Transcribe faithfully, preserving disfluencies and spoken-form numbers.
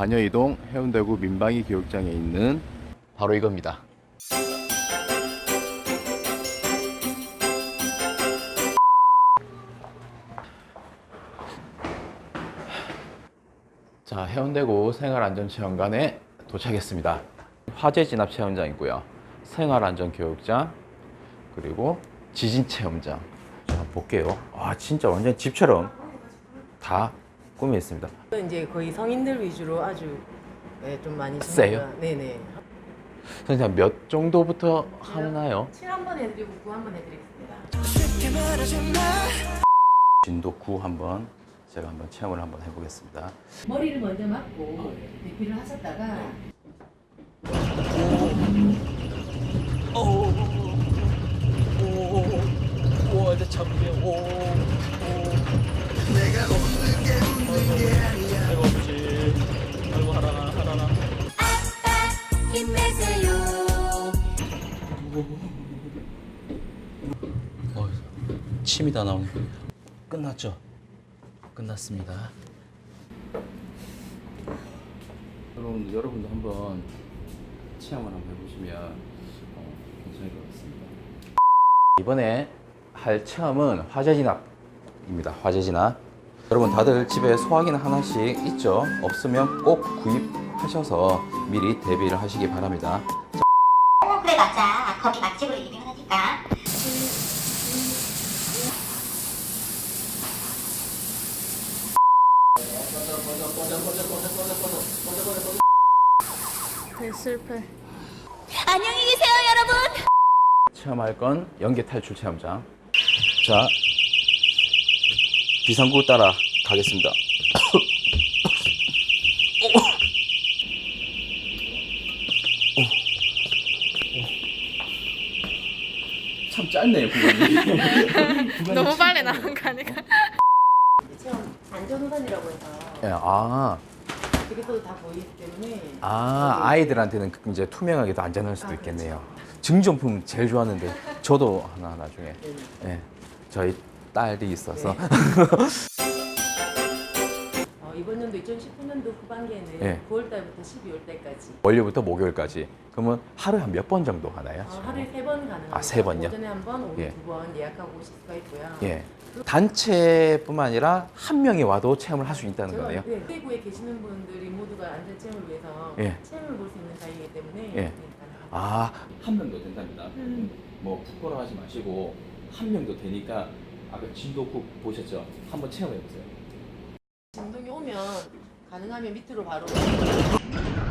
반여이동 해운대구 민방위 교육장에 있는 바로 이겁니다. 자, 해운대구 생활안전체험관에 도착했습니다. 화재 진압 체험장이고요. 생활안전교육장, 그리고 지진체험장. 자, 한번 볼게요. 아, 진짜 완전 집처럼 다 꾸며 있습니다. 이제 거의 성인들 위주로 아주 네, 좀 많이 세요? 준비가- 네네. 선생님, 몇 정도부터 하나요? 칠 한번 해드리고 구 한번 해드리겠습니다. 진도 구 한번 제가 한번 체험을 한번 해보겠습니다. 머리를 먼저 맞고 대피를 하셨다가 오, 이제 참게. 오, 내가 없는 게 없는 게 아니야. 내가 없지. 아이고 하라나 하라나. 힘내세요. 어, 침이 다 나오네. 끝났죠? 끝났습니다. 여러분, 여러분도 한번 체험을 한번 해보시면 어, 괜찮을 것 같습니다. 이번에 할 체험은 화재 진압입니다. 화재 진압. 여러분 다들 집에 소화기는 하나씩 있죠? 없으면 꼭 구입하셔서 미리 대비를 하시기 바랍니다. 어, 그래 맞아. 거기 맛집으로 유명하니까. 실패. 안녕히 계세요, 여러분. 체험할 건 연계 탈출 체험장. 자, 비상구 따라 가겠습니다. 참 짧네요, 구간이. 너무 빨리 나온 거 아닌가? 체험 안전우선이라고 해서 예, 아, 저기서도 다 보이기 때문에 아, 아이들한테는 이제 투명하게 더 안전할 수도 아, 있겠네요. 증정품 제일 좋았는데 저도 하나 나중에. 예, 저희 딸이 있어서. 어, 이번 연도 이천십구 년도 후반기에는 네. 구월 달부터 십이월 달까지 월요일부터 목요일까지. 그러면 하루에 한 몇 번 정도 하나요? 어, 하루에 세 번 가능합니다. 아, 세 번요? 오전에 한 번, 오후 예. 두 번 예약하고 오실 수가 있고요. 예. 단체뿐만 아니라 한 명이 와도 체험을 할 수 있다는 제가, 거네요. 네, 대구에 계시는 분들이 모두가 안전 체험을 위해서 예. 체험을 볼 수 있는 자리이기 때문에 예. 네, 가능합니다. 아, 한 명도 된답니다. 뭐 부끄러워하지 마시고 한 명도 되니까 아까 진도국 보셨죠? 한번 체험해 보세요. 진동이 오면 가능하면 밑으로 바로